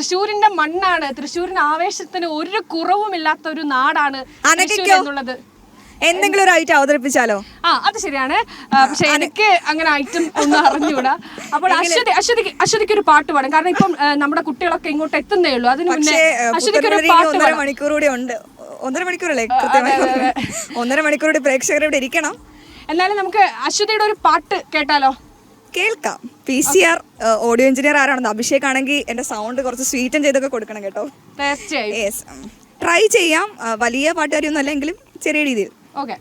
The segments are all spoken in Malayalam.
തൃശ്ശൂരിന്റെ മണ്ണാണ്, തൃശ്ശൂരിന് ആവേശത്തിന് ഒരു കുറവുമില്ലാത്ത ഒരു നാടാണ് എന്നുള്ളത്. എന്തെങ്കിലും ഒരു ഐറ്റം അവതരിപ്പിച്ചാലോ? അത് ശരിയാണ്. പക്ഷെ എനിക്ക് അങ്ങനെ ഐറ്റം ഒന്നും അറിഞ്ഞൂടാ. അപ്പോൾ അശ്വതിക്ക് ഒരു പാട്ട് പാടും. കാരണം ഇപ്പം നമ്മുടെ കുട്ടികളൊക്കെ ഇങ്ങോട്ട് എത്തുന്നേ ഉള്ളൂ. അതിന് മുന്നേ അശ്വതിക്ക് ഒരു പാട്ട് 1.5 മണിക്കൂർ കൂടി ഉണ്ട്. 1.5 മണിക്കൂറല്ലേ? കൃത്യമായി 1.5 മണിക്കൂർ കൂടി പ്രേക്ഷകർ ഇവിടെ ഇരിക്കണം. എന്നാലും നമുക്ക് അശ്വതിയുടെ ഒരു പാട്ട് കേട്ടാലോ? കേൾക്കാം. PCR ഓഡിയോ എഞ്ചിനീയർ ആരാണെന്ന് അഭിഷേക് ആണെങ്കിൽ എന്റെ സൗണ്ട് കുറച്ച് സ്വീറ്റൻ ചെയ്തൊക്കെ കൊടുക്കണം കേട്ടോ. തീർച്ചയായും ട്രൈ ചെയ്യാം. വലിയ പാട്ടുകാരിയൊന്നും അല്ലെങ്കിലും ചെറിയ രീതിയിൽ. ഓക്കെ.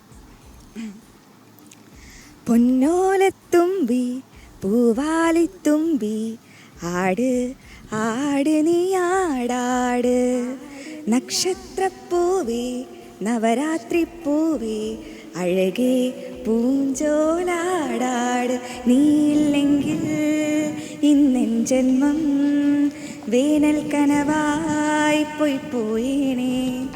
പൊന്നോലത്തുമ്പി പൂവാലിത്തുമ്പി ആട് ആട് നീ ആടാട്, നക്ഷത്രപ്പൂവേ നവരാത്രി പൂവേ അഴകേ പൂഞ്ചോലാടാട്, നീയില്ലെങ്കിൽ ഇന്നെൻ ജന്മം വേനൽ കനവായി പോയേനെ.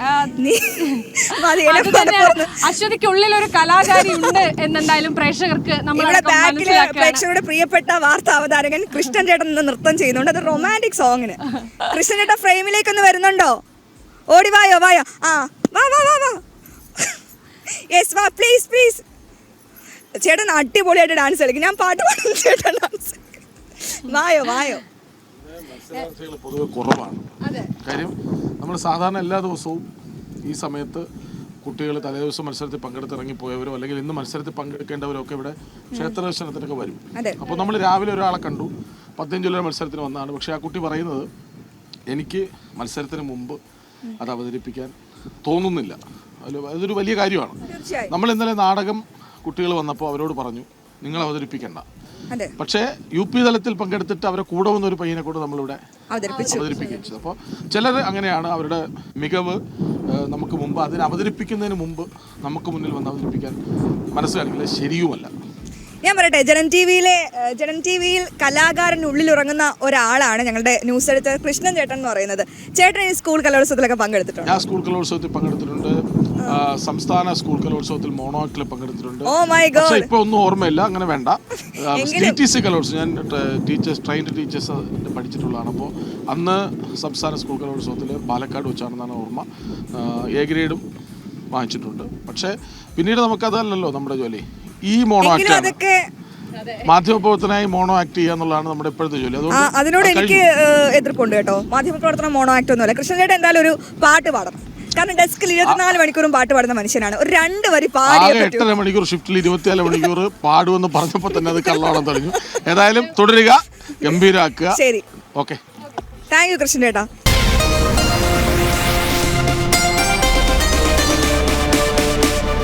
അശ്വതിക്കുള്ളിൽ ഒരു കലാകാരി ഉണ്ട് എന്നെന്തായാലും പ്രേക്ഷകർക്ക് പ്രേക്ഷകരുടെ പ്രിയപ്പെട്ട വാർത്താ അവതാരകൻ കൃഷ്ണൻ ചേട്ടൻ നൃത്തം ചെയ്യുന്നുണ്ട്. അത് റൊമാൻറ്റിക് സോങ്ങിന്. കൃഷ്ണൻ ചേട്ടൻ ഫ്രെയിമിലേക്ക് ഒന്ന് വരുന്നുണ്ടോ? ഓടി വായോ വായോ. വാ വാ വാ വാ. യെസ് വാ, പ്ലീസ് പ്ലീസ്. ചേട്ടൻ അടിപൊളിയായിട്ട് ഡാൻസ് കളിക്കും. ഞാൻ പാട്ട് പാടും, ചേട്ടൻ ഡാൻസ്. വായോ വായോ. മത്സരാർത്ഥികൾ പൊതുവെ കുറവാണ്. കാര്യം നമ്മൾ സാധാരണ എല്ലാ ദിവസവും ഈ സമയത്ത് കുട്ടികൾ തലേദിവസം മത്സരത്തിൽ പങ്കെടുത്തിറങ്ങിപ്പോയവരോ അല്ലെങ്കിൽ ഇന്ന് മത്സരത്തിൽ പങ്കെടുക്കേണ്ടവരോ ഒക്കെ ഇവിടെ ക്ഷേത്ര ദർശനത്തിനൊക്കെ വരും. അപ്പോൾ നമ്മൾ രാവിലെ ഒരാളെ കണ്ടു, 15 ജില്ലയുടെ മത്സരത്തിന് വന്നതാണ്. പക്ഷേ ആ കുട്ടി പറയുന്നത് എനിക്ക് മത്സരത്തിന് മുമ്പ് അത് അവതരിപ്പിക്കാൻ തോന്നുന്നില്ല. അതൊരു വലിയ കാര്യമാണ്. നമ്മൾ ഇന്നലെ നാടകം കുട്ടികൾ വന്നപ്പോൾ അവരോട് പറഞ്ഞു നിങ്ങൾ അവതരിപ്പിക്കണ്ട. പക്ഷേ UP തലത്തിൽ പങ്കെടുത്തിട്ട് അവരെ കൂടെ വന്ന ഒരു പയ്യനെ കൂടെ നമ്മളിവിടെ അവതരിപ്പിച്ചു. അപ്പോൾ ചിലർ അങ്ങനെയാണ്, അവരുടെ മികവ് നമുക്ക് മുമ്പ് അതിനെ അവതരിപ്പിക്കുന്നതിന് മുമ്പ് നമുക്ക് മുന്നിൽ വന്ന് അവതരിപ്പിക്കാൻ മനസ്സ് കാണിക്കില്ല, ശരിയുമല്ല. ഞാൻ പറയട്ടെ, ജനം ടിവിയിൽ കലാകാരൻ ഉള്ളിൽ ഉറങ്ങുന്ന ഒരാളാണ് ഞങ്ങളുടെ ന്യൂസ് എഡിറ്റർ കൃഷ്ണൻ ചേട്ടൻ എന്ന് പറയുന്നത്. ചേട്ടൻ ഈ സ്കൂൾ കലോത്സവത്തിലൊക്കെ പങ്കെടുത്തിട്ടുണ്ട്? ഞാൻ സ്കൂൾ കലോത്സവത്തിൽ പങ്കെടുത്തിട്ടുണ്ട്. സംസ്ഥാന സ്കൂൾ കലോത്സവത്തിൽ മോണോ ആക്ടിൽ പങ്കെടുത്തിട്ടുണ്ട്. പക്ഷേ ഇപ്പൊ ഒന്നും ഓർമ്മയില്ല, അങ്ങനെ വേണ്ട. TTC കലോത്സവം ഞാൻ ട്രെയിൻഡ് ടീച്ചേഴ്സ് പഠിച്ചിട്ടുള്ളതാണ്. അപ്പോൾ അന്ന് സംസ്ഥാന സ്കൂൾ കലോത്സവത്തിൽ പാലക്കാട് വെച്ചാണെന്നാണ് ഓർമ്മ. A ഗ്രേഡും വാങ്ങിച്ചിട്ടുണ്ട്. പക്ഷേ പിന്നീട് നമുക്കതല്ലല്ലോ നമ്മുടെ ജോലി. ഈ മോണോ ആക്ട് മാധ്യമപ്രവർത്തനായി മോണോ ആക്ട് ചെയ്യുക എന്നുള്ളതാണ് നമ്മുടെ ഇപ്പോഴത്തെ ജോലി. അതിനോട് എനിക്ക് എതിർപ്പുണ്ട് കേട്ടോ. മാധ്യമപ്രവർത്തനം മോണോ ആക്ട് ഒന്നുമല്ല. കൃഷ്ണൻ ചേട്ടൻ എന്തായാലും ഒരു പാട്ട് പാടണം. കാരണം ഡെസ്കിൽ 24 മണിക്കൂറും പാട്ട് പാടുന്ന മനുഷ്യനാണ്. ഒരു 2 വരി പാടി 8.5 മണിക്കൂർ ഷിഫ്റ്റിൽ 24 മണിക്കൂർ പാടുമെന്ന് പറഞ്ഞപ്പോൾ തന്നെ അത് കള്ളാണെന്ന് തുടങ്ങി. ഏതായാലും തുടരുക, ഗംഭീരാക്കുക. ശരി, ഓക്കെ. താങ്ക് യു കൃഷ്ണൻ ചേട്ടാ.